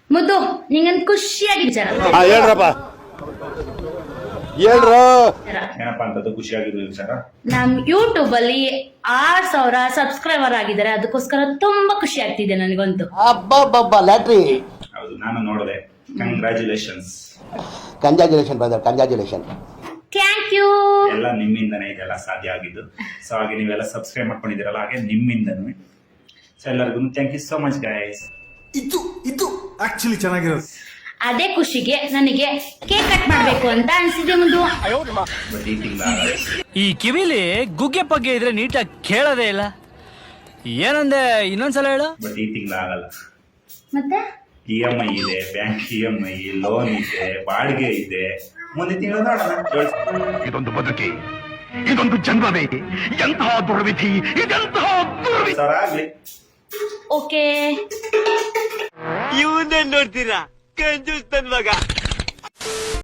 ಮುದ್ದು ನಿಂಗೊಂದು ಖುಷಿಯಾಗಿ ವಿಚಾರ ಹೇಳ್ರಪ್ಪ ಹೇಳ್ರು. ಏನಪ್ಪಾ ಅಂತದ್ದು ಖುಷಿಯಾಗಿರೋ ವಿಚಾರ? ನಮ್ ಯೂಟ್ಯೂಬ್ ಅಲ್ಲಿ 6,000 ಸಬ್ಸ್ಕ್ರೈಬರ್ ಆಗಿದ್ದಾರೆ. ಅದಕ್ಕೋಸ್ಕರ ತುಂಬಾ ಖುಷಿ ಆಗ್ತಿದೆ ನನಗಂತೂ. ಅಬ್ಬಬ್ಬಬ್ಬ ಲ್ಯಾಟ್ರಿ. ಹೌದು, ನಾನು ನೋಡಿದೆ. Congratulations brother, congratulation. Thank you. ಎಲ್ಲ ನಿಮ್ಮಿಂದನೇ ಇದೆಲ್ಲ ಸಾಧ್ಯ ಆಗಿದ್ದು. ಸೊ ಹಾಗೆ ನೀವೆಲ್ಲ ಸಬ್ಸ್ಕ್ರೈಬ್ ಮಾಡ್ಕೊಂಡಿದ್ದೀರಲ್ಲ, ಹಾಗೆ ನಿಮ್ಮಿಂದನೂ. ಸೊ ಎಲ್ಲರಿಗೂ thank you so much guys. ಇದು ಆಕ್ಚುಲಿ ಚೆನ್ನಾಗಿರೋದು. ಅದೇ ಖುಷಿಗೆ ನನಗೆ ಕೇಕ್ ಕಟ್ ಮಾಡ್ಬೇಕು ಅಂತ ಅನ್ಸಿದೆ ಮುಂದು. ಬಟ್ ಈ ತಿಂಗಳ ಈ ಕಿವಿಲಿ ಗುಗ್ಗೆ ಪಗ್ಗೆ ಇದ್ರೆ ನೀಟಾಗಿ ಕೇಳೋದೇ ಇಲ್ಲ. ಏನಂದೆ ಇನ್ನೊಂದ್ಸಲ ಹೇಳು. ಬಟ್ ಈ ತಿಂಗಳ ಆಗಲ್ಲ. ಮತ್ತೆ EMI ಇದೆ, ಬ್ಯಾಂಕ್ EMI, ಲೋನ್ ಇದೆ, ಬಾಡಿಗೆ ಇದೆ. ಮುಂದಿನ ತಿಂಗಳು ನೋಡೋಣ. ಇದೊಂದು ಬದುಕಿ, ಇದೊಂದು ಜನ್ಮವೇ, ಎಂತಹ ದುರ್ವಿಧಿ, ಇದೆಂತಹ ದುರ್ವಿಧಿ. ಸರ್ ಆಗ್ಲಿ. ಓಕೆ. ಇವನ್ನೇ ನೋಡ್ತೀರಾ ಕಂಜೂಸ್ ನನ್ ಮಗ.